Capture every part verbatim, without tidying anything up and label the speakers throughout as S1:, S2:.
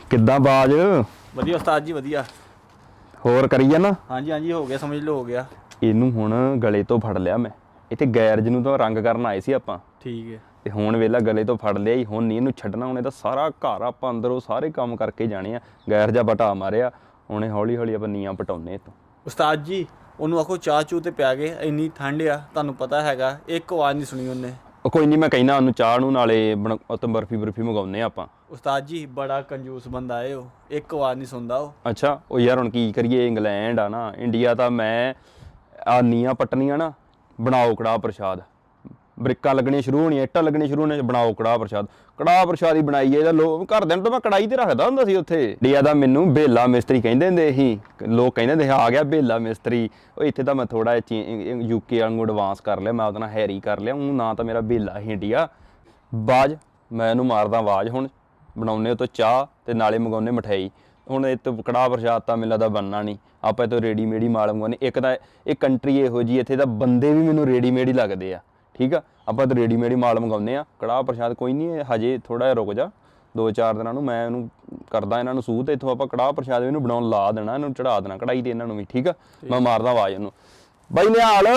S1: ਕਿੱਦਾਂ ਬਾਜ
S2: ਵਧੀਆ ਉਸਤਾਦ ਜੀ ਵਧੀਆ।
S1: ਹੋਰ ਕਰੀ ਜਾਣਾ?
S2: ਹਾਂਜੀ ਹਾਂਜੀ ਹੋ ਗਿਆ, ਸਮਝ ਲਓ ਹੋ ਗਿਆ।
S1: ਇਹਨੂੰ ਹੁਣ ਗਲੇ ਤੋਂ ਫੜ ਲਿਆ ਮੈਂ। ਇੱਥੇ ਗੈਰਜ ਨੂੰ ਤਾਂ ਰੰਗ ਕਰਨ ਆਏ ਸੀ ਆਪਾਂ।
S2: ਠੀਕ ਹੈ।
S1: ਤੇ ਹੁਣ ਵੇਲਾ ਗਲੇ ਤੋਂ ਫੜ ਲਿਆ ਹੀ, ਹੁਣ ਨਹੀਂ ਇਹਨੂੰ ਛੱਡਣਾ। ਉਹਨੇ ਤਾਂ ਸਾਰਾ ਘਰ ਆਪਾਂ ਅੰਦਰੋਂ ਸਾਰੇ ਕੰਮ ਕਰਕੇ ਜਾਣੇ ਆ। ਗੈਰ ਜਾ ਬਟਾ ਮਾਰਿਆ, ਉਹਨੇ ਹੌਲੀ ਹੌਲੀ ਆਪਾਂ ਨੀਆਂ ਪਟਾਉਨੇ ਤੋਂ।
S2: ਉਸਤਾਦ ਜੀ ਉਹਨੂੰ ਆਖੋ ਚਾਹ ਚੂ ਤੇ ਪਿਆ ਗਏ, ਇੰਨੀ ਠੰਡ ਆ ਤੁਹਾਨੂੰ ਪਤਾ ਹੈਗਾ, ਇੱਕ ਆਵਾਜ਼ ਨਹੀਂ ਸੁਣੀ ਉਹਨੇ।
S1: ਉਹ ਕੋਈ ਨਹੀਂ, ਮੈਂ ਕਹਿਣਾ ਉਹਨੂੰ ਚਾਹ ਨੂੰ, ਨਾਲੇ ਬਣ ਉੱਤੇ ਬਰਫੀ ਬਰਫੀ ਮੰਗਾਉਂਦੇ ਆ ਆਪਾਂ।
S2: ਉਸਤਾਦ ਜੀ ਬੜਾ ਕੰਜੂਸ ਬੰਦਾ ਏ ਉਹ, ਇੱਕ ਆਵਾਜ਼ ਨਹੀਂ ਸੁਣਦਾ ਉਹ।
S1: ਅੱਛਾ ਉਹ ਯਾਰ ਹੁਣ ਕੀ ਕਰੀਏ, ਇੰਗਲੈਂਡ ਆ ਨਾ, ਇੰਡੀਆ ਤਾਂ ਮੈਂ ਆ ਨੀਆਂ ਪੱਟਣੀਆਂ ਨਾ, ਬਣਾਓ ਕੜਾਹ ਪ੍ਰਸ਼ਾਦ। ਬ੍ਰਿਕਾਂ ਲੱਗਣੀਆਂ ਸ਼ੁਰੂ ਹੋਣੀਆਂ, ਇੱਟਾਂ ਲੱਗਣੀਆਂ ਸ਼ੁਰੂ ਹੋਣੀਆਂ, ਬਣਾਓ ਕੜਾਹ ਪ੍ਰਸ਼ਾਦ। ਕੜਾਹ ਪ੍ਰਸ਼ਾਦ ਹੀ ਬਣਾਈਏ। ਇਹਦਾ ਲੋਕ ਘਰਦਿਆਂ ਨੂੰ ਤਾਂ ਮੈਂ ਕੜਾਈ ਤੇ ਰੱਖਦਾ ਹੁੰਦਾ ਸੀ ਉੱਥੇ। ਇੰਡੀਆ ਦਾ ਮੈਨੂੰ ਬੇਲਾ ਮਿਸਤਰੀ ਕਹਿੰਦੇ ਹੁੰਦੇ ਸੀ, ਲੋਕ ਕਹਿੰਦੇ ਹੁੰਦੇ ਆ ਗਿਆ ਬੇਲਾ ਮਿਸਤਰੀ। ਉਹ ਇੱਥੇ ਤਾਂ ਮੈਂ ਥੋੜ੍ਹਾ ਜਿਹਾ ਯੂਕੇ ਵਾਂਗੂ ਐਡਵਾਂਸ ਕਰ ਲਿਆ, ਮੈਂ ਉਹਦਾ ਨਾਲ ਹੈਰੀ ਕਰ ਲਿਆ। ਉਹ ਨਾ ਤਾਂ ਮੇਰਾ ਬੇਲਾ ਸੀ ਇੰਡੀਆ। ਬਾਜ ਮੈਂ ਇਹਨੂੰ ਮਾਰਦਾ ਆਵਾਜ਼। ਹੁਣ ਬਣਾਉਂਦੇ ਉਹ ਤੋਂ ਚਾਹ ਤੇ ਨਾਲੇ ਮੰਗਾਉਂਦੇ ਮਠਿਆਈ। ਹੁਣ ਇਹ ਤੋਂ ਕੜਾਹ ਪ੍ਰਸ਼ਾਦ ਤਾਂ ਮੈਨੂੰ ਲੱਗਦਾ ਬਣਨਾ ਨਹੀਂ, ਆਪਾਂ ਇਹ ਤੋਂ ਰੈਡੀਮੇਡ ਹੀ ਮਾਲ ਮੰਗਵਾਉਂਦੇ। ਇੱਕ ਤਾਂ ਇਹ ਕੰਟਰੀ ਇਹੋ ਜਿਹੀ, ਇੱਥੇ ਤਾਂ ਬੰਦੇ ਵੀ ਮੈਨੂੰ ਰੈਡੀਮੇਡ ਹੀ ਲੱਗਦੇ ਆ। ਠੀਕ ਆ, ਆਪਾਂ ਤਾਂ ਰੈਡੀਮੇਡ ਹੀ ਮਾਲ ਮੰਗਾਉਂਦੇ ਆ। ਕੜਾਹ ਪ੍ਰਸ਼ਾਦ ਕੋਈ ਨਹੀਂ, ਹਜੇ ਥੋੜ੍ਹਾ ਜਿਹਾ ਰੁਕ ਜਾ, ਦੋ ਚਾਰ ਦਿਨਾਂ ਨੂੰ ਮੈਂ ਇਹਨੂੰ ਕਰਦਾ ਇਹਨਾਂ ਨੂੰ ਸੂਹ, ਤੇ ਇੱਥੋਂ ਆਪਾਂ ਕੜਾਹ ਪ੍ਰਸ਼ਾਦ ਇਹਨੂੰ ਬਣਾਉਣ ਲਾ ਦੇਣਾ, ਇਹਨੂੰ ਚੜ੍ਹਾ ਦੇਣਾ ਕੜਾਈ ਤੇ ਇਹਨਾਂ ਨੂੰ ਵੀ। ਠੀਕ ਆ, ਮੈਂ ਮਾਰਦਾ ਆਵਾਜ਼ ਇਹਨੂੰ। ਬਾਈ ਨਿਹਾਲ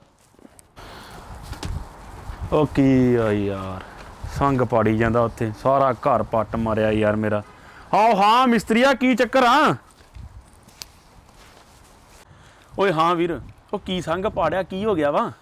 S3: ਉਹ ਕੀ ਆ ਯਾਰ, ਸੰਗ ਪਾੜੀ ਜਾਂਦਾ ਉੱਥੇ, ਸਾਰਾ ਘਰ ਪੱਟ ਮਾਰਿਆ ਯਾਰ ਮੇਰਾ। ਹਾਂ ਹਾਂ ਮਿਸਤਰੀਆ, ਕੀ ਚੱਕਰ ਆ? ਓਏ ਹਾਂ ਵੀਰ, ਉਹ ਕੀ ਸੰਗ ਪਾੜਿਆ, ਕੀ ਹੋ ਗਿਆ ਵਾ?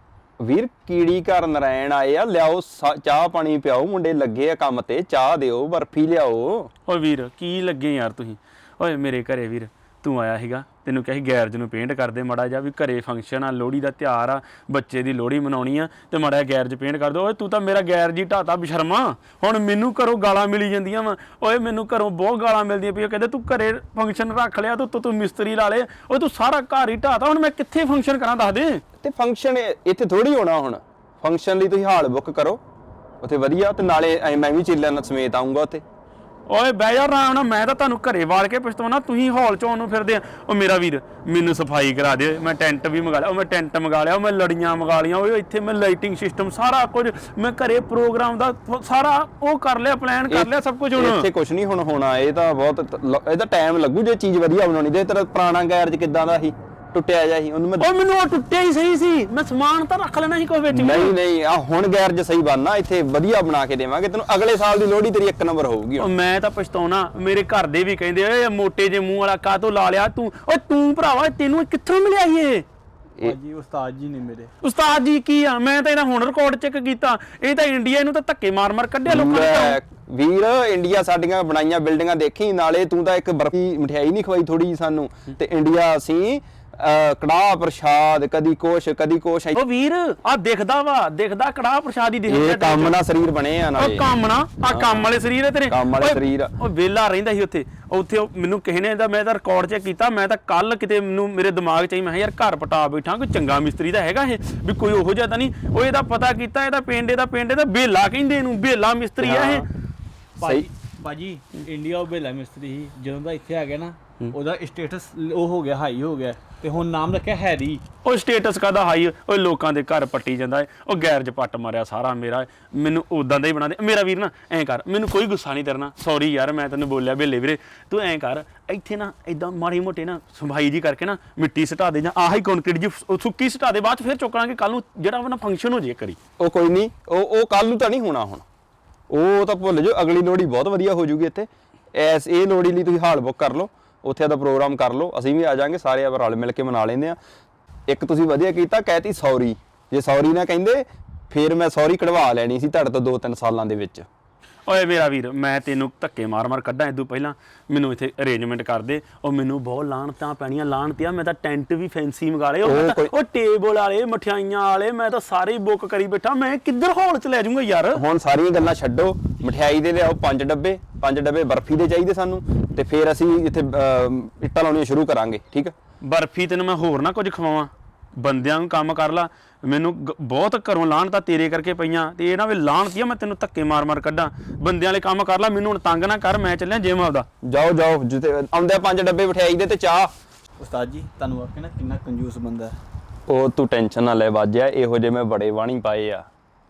S1: ਵੀਰ ਕੀੜੀ ਘਰ ਨਰਾਇਣ ਆਏ ਆ, ਲਿਆਓ ਚਾਹ ਪਾਣੀ ਪਿਆਓ, ਮੁੰਡੇ ਲੱਗੇ ਆ ਕੰਮ ਤੇ, ਚਾਹ ਦਿਓ, ਬਰਫੀ ਲਿਆਓ।
S3: ਓਏ ਵੀਰ ਕੀ ਲੱਗੇ ਯਾਰ ਤੁਸੀਂ? ਓਏ ਮੇਰੇ ਘਰੇ ਵੀਰ ਤੂੰ ਆਇਆ ਸੀਗਾ, ਤੈਨੂੰ ਕਿਹਾ ਸੀ ਗੈਰਜ ਨੂੰ ਪੇਂਟ ਕਰਦੇ ਮਾੜਾ ਜਿਹਾ, ਵੀ ਘਰੇ ਫੰਕਸ਼ਨ ਆ, ਲੋਹੜੀ ਦਾ ਤਿਉਹਾਰ ਆ, ਬੱਚੇ ਦੀ ਲੋਹੜੀ ਮਨਾਉਣੀ ਆ, ਤੇ ਮਾੜਾ ਜਿਹਾ ਗੈਰਜ ਪੇਂਟ ਕਰ ਦੋ। ਓਏ ਤੂੰ ਤਾਂ ਮੇਰਾ ਗੈਰਜ ਹੀ ਢਾਤਾ ਬਸ਼ਰਮਾ। ਹੁਣ ਮੈਨੂੰ ਘਰੋਂ ਗਾਲਾਂ ਮਿਲੀ ਜਾਂਦੀਆਂ ਵਾ। ਓਏ ਮੈਨੂੰ ਘਰੋਂ ਬਹੁਤ ਗਾਲਾਂ ਮਿਲਦੀਆਂ ਪਈਆਂ, ਕਹਿੰਦੇ ਤੂੰ ਘਰੇ ਫੰਕਸ਼ਨ ਰੱਖ ਲਿਆ, ਤੂੰ ਤੂੰ ਮਿਸਤਰੀ ਲਾ ਲੇ। ਓਏ ਤੂੰ ਸਾਰਾ ਘਰ ਹੀ ਢਾਤਾ, ਹੁਣ ਮੈਂ ਕਿੱਥੇ ਫੰਕਸ਼ਨ ਕਰਾਂ ਦੱਸ ਦੇ।
S1: ਤੇ ਫੰਕਸ਼ਨ ਇੱਥੇ ਥੋੜੀ ਹੋਣਾ, ਹੁਣ ਫੰਕਸ਼ਨ ਲਈ ਤੁਸੀਂ ਹਾਲ ਬੁੱਕ ਕਰੋ ਉੱਥੇ ਵਧੀਆ, ਤੇ ਨਾਲੇ ਮੈਂ ਵੀ ਚੇਲਿਆਂ ਸਮੇਤ ਆਊਂਗਾ ਉੱਥੇ।
S3: ਓਏ ਬਹਿ ਜਾ ਆਰਾਮ ਨਾਲ, ਮੈਂ ਤਾਂ ਤੁਹਾਨੂੰ ਘਰੇ ਵਾੜ ਕੇ ਪਛਤਾਉਣਾ, ਤੁਸੀਂ ਹਾਲ ਚ ਆਉਣ ਨੂੰ ਫਿਰਦੇ ਆ। ਉਹ ਮੇਰਾ ਵੀਰ ਮੈਨੂੰ ਸਫਾਈ ਕਰਾ ਦੇ, ਮੈਂ ਟੈਂਟ ਵੀ ਮੰਗਾ ਲਿਆ, ਉਹ ਮੈਂ ਟੈਂਟ ਮੰਗਾ ਲਿਆ, ਉਹ ਮੈਂ ਲੜੀਆਂ ਮੰਗਾ ਲਈਆਂ, ਓਏ ਇੱਥੇ ਮੈਂ ਲਾਈਟਿੰਗ ਸਿਸਟਮ ਸਾਰਾ ਕੁਝ, ਮੈਂ ਘਰੇ ਪ੍ਰੋਗਰਾਮ ਦਾ ਸਾਰਾ ਉਹ ਕਰ ਲਿਆ, ਪਲਾਨ ਕਰ ਲਿਆ ਸਭ ਕੁਝ। ਹੁਣ
S1: ਇੱਥੇ ਕੁਝ ਨਹੀਂ ਹੁਣ ਹੋਣਾ, ਇਹ ਤਾਂ ਬਹੁਤ ਇਹਦਾ ਟਾਈਮ ਲੱਗੂ ਜੇ ਚੀਜ਼ ਵਧੀਆ ਬਣਾਉਣੀ। ਤੇ ਤੇਰਾ ਪੁਰਾਣਾ ਗੈਰਜ ਕਿੱਦਾਂ ਦਾ ਸੀ, ਟੁੱਟਿਆ ਜਿਹਾ ਸੀ, ਉਹਨੂੰ ਮੈਂ
S3: ਓਏ ਮੈਨੂੰ ਉਹ ਟੁੱਟਿਆ ਹੀ ਸਹੀ ਸੀ, ਮੈਂ ਸਮਾਨ ਤਾਂ ਰੱਖ ਲੈਣਾ ਸੀ ਕੋਈ ਵਿੱਚ।
S1: ਨਹੀਂ ਨਹੀਂ ਆ ਹੁਣ ਗੈਰਜ ਸਹੀ ਬਣਨਾ, ਇੱਥੇ ਵਧੀਆ ਬਣਾ ਕੇ ਦੇਵਾਂਗੇ ਤੈਨੂੰ। ਅਗਲੇ ਸਾਲ ਦੀ ਲੋਹੜੀ ਤੇਰੀ ਇੱਕ ਨੰਬਰ ਹੋਊਗੀ।
S3: ਉਹ ਮੈਂ ਤਾਂ ਪਛਤਾਉਣਾ, ਮੇਰੇ ਘਰ ਦੇ ਵੀ ਕਹਿੰਦੇ ਓਏ ਮੋਟੇ ਜੇ ਮੂੰਹ ਵਾਲਾ ਕਾਹਤੋਂ ਲਾ ਲਿਆ ਤੂੰ। ਓਏ ਤੂੰ ਭਰਾਵਾ ਤੈਨੂੰ ਕਿੱਥੋਂ ਮਿਲਿਆ ਸੀ ਇਹ?
S2: ਜੀ ਉਸਤਾਦ ਜੀ ਨੇ ਮੇਰੇ।
S3: ਉਸਤਾਦ ਜੀ ਕੀ ਆ, ਮੈਂ ਤਾਂ ਇਹਦਾ ਹੁਣ ਰਿਕਾਰਡ ਚੈੱਕ ਕੀਤਾ, ਇਹ ਤਾਂ ਇੰਡੀਆ ਨੂੰ ਤਾਂ ਧੱਕੇ ਮਾਰ ਮਾਰ ਕੱਢਿਆ ਲੋਕਾਂ ਨੇ।
S1: ਵੀਰ ਇੰਡੀਆ ਸਾਡੀਆਂ ਬਣਾਈਆਂ ਬਿਲਡਿੰਗਾਂ ਦੇਖੀ, ਨਾਲੇ ਤੂੰ ਤਾਂ ਇੱਕ ਬਰਫੀ ਮਠਿਆਈ ਨਹੀਂ ਖਵਾਈ ਥੋੜੀ ਸਾਨੂੰ। ਤੇ ਇੰਡੀਆ ਅਸੀਂ ਕੜਾਹ ਪ੍ਰਸ਼ਾਦ ਕਦੀ ਕੁਛ ਕਦੀ ਕੁਛ।
S3: ਉਹ ਵੀਰ ਆ ਦਿਖਦਾ ਵਾ, ਦਿਖਦਾ ਕੜਾਹ ਪ੍ਰਸ਼ਾਦ ਹੀ ਦਿਖਦਾ।
S1: ਇਹ ਕੰਮ ਨਾਲ ਸਰੀਰ ਬਣੇ ਆ ਨਾਲੇ।
S3: ਉਹ ਕੰਮ ਨਾ ਆ ਕੰਮ ਵਾਲੇ ਸਰੀਰ ਹੈ ਤੇਰੇ,
S1: ਕੰਮ ਵਾਲੇ ਸਰੀਰ।
S3: ਉਹ ਵੇਲਾ ਰਹਿੰਦਾ ਸੀ ਉੱਥੇ, ਉੱਥੇ ਮੈਨੂੰ ਕਿਸੇ ਨੇ ਇਹਦਾ, ਮੈਂ ਤਾਂ ਰਿਕਾਰਡ ਚੈੱਕ ਕੀਤਾ, ਮੈਂ ਤਾਂ ਕੱਲ ਕਿਤੇ ਮੈਨੂੰ ਮੇਰੇ ਦਿਮਾਗ 'ਚ ਹੀ ਮੈਂ ਯਾਰ ਘਰ ਪਟਾ ਬੈਠਾ, ਕੋਈ ਚੰਗਾ ਮਿਸਤਰੀ ਤਾਂ ਹੈਗਾ ਇਹ, ਵੀ ਕੋਈ ਉਹੋ ਜਿਹਾ ਤਾਂ ਨਹੀਂ। ਉਹ ਇਹਦਾ ਪਤਾ ਕੀਤਾ, ਇਹਦਾ ਪਿੰਡ ਇਹਦਾ ਪਿੰਡ ਇਹਦਾ ਬੇਲਾ ਕਹਿੰਦੇ ਇਹਨੂੰ, ਬੇਲਾ ਮਿਸਤਰੀ ਆ ਇਹ।
S2: ਭਾਜੀ ਭਾਜੀ ਇੰਡੀਆ ਉਹ ਬੇਲਾ ਮਿਸਤਰੀ ਸੀ, ਜਦੋਂ ਦਾ ਇੱਥੇ ਆ ਗਿਆ ਨਾ ਉਹਦਾ ਸਟੇਟਸ ਉਹ ਹੋ ਗਿਆ, ਹਾਈ ਹੋ ਗਿਆ, ਤੇ ਹੁਣ ਨਾਮ ਰੱਖਿਆ ਹੈਰੀ।
S3: ਉਹ ਸਟੇਟਸ ਕਾਹਦਾ ਹਾਈ? ਉਹ ਲੋਕਾਂ ਦੇ ਘਰ ਪੱਟੀ ਜਾਂਦਾ ਹੈ, ਉਹ ਗੈਰਜ ਪੱਟ ਮਾਰਿਆ ਸਾਰਾ ਮੇਰਾ। ਮੈਨੂੰ ਉਦਾਂ ਦਾ ਹੀ ਬਣਾ ਦੇ ਮੇਰਾ ਵੀਰ। ਨਾ ਐਂ ਕਰ, ਮੈਨੂੰ ਕੋਈ ਗੁੱਸਾ ਨਹੀਂ ਕਰਨਾ, ਸੌਰੀ ਯਾਰ ਮੈਂ ਤੈਨੂੰ ਬੋਲਿਆ ਬੇਲੇ ਵੀਰੇ। ਤੂੰ ਐਂ ਕਰ, ਇੱਥੇ ਨਾ ਇਦਾਂ ਮਾੜੀ ਮੋਟੇ ਨਾ ਸਫਾਈ ਜੀ ਕਰਕੇ ਨਾ ਮਿੱਟੀ ਸਟਾ ਦੇ, ਜਾਂ ਆਹੀ ਕੰਕਰੀਟ ਜੀ ਸੁੱਕੀ ਸਟਾ ਦੇ, ਬਾਅਦ ਚ ਫਿਰ ਚੁੱਕਾਂਗੇ ਕੱਲ ਨੂੰ, ਜਿਹੜਾ ਵਾ ਨਾ ਫੰਕਸ਼ਨ ਹੋ ਜੇ ਕਰੀ।
S1: ਉਹ ਕੋਈ ਨਹੀਂ, ਉਹ ਉਹ ਕੱਲ ਨੂੰ ਤਾਂ ਨਹੀਂ ਹੋਣਾ, ਹੁਣ ਉਹ ਤਾਂ ਭੁੱਲ ਜਾਓ। ਅਗਲੀ ਲੋਹੜੀ ਬਹੁਤ ਵਧੀਆ ਹੋ ਜੂਗੀ ਇੱਥੇ। ਐਸ ਇਹ ਲੋਹੜੀ ਲਈ ਤੁਸੀਂ ਹਾਲ ਬੁੱਕ ਕਰ ਲਓ, ਉੱਥੇ ਦਾ ਪ੍ਰੋਗਰਾਮ ਕਰ ਲਓ, ਅਸੀਂ ਵੀ ਆ ਜਾਾਂਗੇ, ਸਾਰੇ ਆਪਾਂ ਰਲ ਮਿਲ ਕੇ ਮਨਾ ਲੈਂਦੇ ਆ। ਇੱਕ ਤੁਸੀਂ ਵਧੀਆ ਕੀਤਾ, ਕਹਿਤੀ ਸੌਰੀ। ਜੇ ਸੌਰੀ ਨਾ ਕਹਿੰਦੇ ਫਿਰ ਮੈਂ ਸੌਰੀ ਕਢਵਾ ਲੈਣੀ ਸੀ ਤੁਹਾਡੇ ਤੋਂ ਦੋ ਤਿੰਨ ਸਾਲਾਂ ਦੇ ਵਿੱਚ।
S3: ਓਏ ਮੇਰਾ ਵੀਰ ਮੈਂ ਤੈਨੂੰ ਧੱਕੇ ਮਾਰ ਮਾਰ ਕੱਢਾਂ ਇਦੋਂ ਪਹਿਲਾਂ, ਮੈਨੂੰ ਇੱਥੇ ਅਰੇਂਜਮੈਂਟ ਕਰ ਦੇ। ਉਹ ਮੈਨੂੰ ਬਹੁਤ ਲਾਹਣਤਾਂ ਪੈਣੀਆਂ, ਲਾਹਣਤੀਆਂ। ਮੈਂ ਤਾਂ ਟੈਂਟ ਵੀ ਫੈਂਸੀ ਮੰਗਾ ਲਏ, ਉਹ ਉਹ ਟੇਬਲ ਵਾਲੇ, ਮਠਿਆਈਆਂ ਵਾਲੇ, ਮੈਂ ਤਾਂ ਸਾਰੇ ਹੀ ਬੁੱਕ ਕਰੀ ਬੈਠਾ। ਮੈਂ ਕਿੱਧਰ ਹਾਲ 'ਚ ਲੈ ਜਾਊਂਗਾ ਯਾਰ?
S1: ਹੁਣ ਸਾਰੀਆਂ ਗੱਲਾਂ ਛੱਡੋ, ਮਠਿਆਈ ਦੇ ਲਿਆਓ ਪੰਜ ਡੱਬੇ, ਪੰਜ ਡੱਬੇ ਬਰਫੀ ਦੇ ਚਾਹੀਦੇ ਸਾਨੂੰ, ਤੇ ਫਿਰ ਅਸੀਂ ਇੱਥੇ ਇੱਟਾਂ ਲਾਉਣੀਆਂ ਸ਼ੁਰੂ ਕਰਾਂਗੇ। ਠੀਕ ਆ,
S3: ਬਰਫੀ ਤੈਨੂੰ ਮੈਂ ਹੋਰ ਨਾ ਕੁਝ ਖਵਾਵਾਂ, ਬੰਦਿਆਂ ਨੂੰ ਕੰਮ ਕਰ ਲਾ। ਮੈਨੂੰ ਬਹੁਤ ਘਰੋਂ ਲਾਹਣ ਤਾਂ ਤੇਰੇ ਕਰਕੇ ਪਈਆਂ, ਤੇ ਇਹ ਨਾ ਵੀ ਲਾਹਣਤੀਆਂ ਮੈਂ ਤੈਨੂੰ ਧੱਕੇ ਮਾਰ ਮਾਰ ਕੱਢਾਂ। ਬੰਦਿਆਂ ਵਾਲੇ ਕੰਮ ਕਰ ਲਾ, ਮੈਨੂੰ ਹੁਣ ਤੰਗ ਨਾ ਕਰ, ਮੈਂ ਚੱਲਿਆ ਜਿਮ ਆਪਦਾ।
S1: ਜਾਓ ਜਾਓ, ਜਿੱਥੇ ਆਉਂਦੇ ਪੰਜ ਡੱਬੇ ਮਠਿਆਈ ਦੇ ਤੇ ਚਾਹ।
S2: ਉਸਤਾਦ ਜੀ ਤੁਹਾਨੂੰ ਆਖੇ ਨਾ ਕਿੰਨਾ ਕੰਜੂਸ ਬੰਦਾ।
S1: ਉਹ ਤੂੰ ਟੈਨਸ਼ਨ ਨਾ ਲੈ ਬਾਜਿਆ, ਇਹੋ ਜਿਹੇ ਮੈਂ ਬੜੇ ਵਾਣੀ ਪਾਏ ਆ।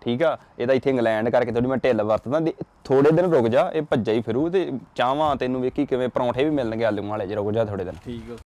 S1: ਠੀਕ ਆ ਇਹਦਾ ਇੱਥੇ ਇੰਗਲੈਂਡ ਕਰਕੇ ਥੋੜੀ ਮੈਂ ਢਿੱਲ ਵਰਤਦਾ ਥੋੜੇ ਦਿਨ ਰੁਕ ਜਾ ਇਹ ਭੱਜਾ ਹੀ ਫਿਰੂ ਤੇ ਚਾਹਵਾਂ ਤੈਨੂੰ ਵੇਖੀ ਕਿਵੇਂ ਪਰੌਂਠੇ ਵੀ ਮਿਲਣਗੇ ਆਲੂ ਵਾਲੇ ਜੇ ਰੁਕ ਜਾ ਥੋੜੇ ਦਿਨ
S2: ਠੀਕ ਆ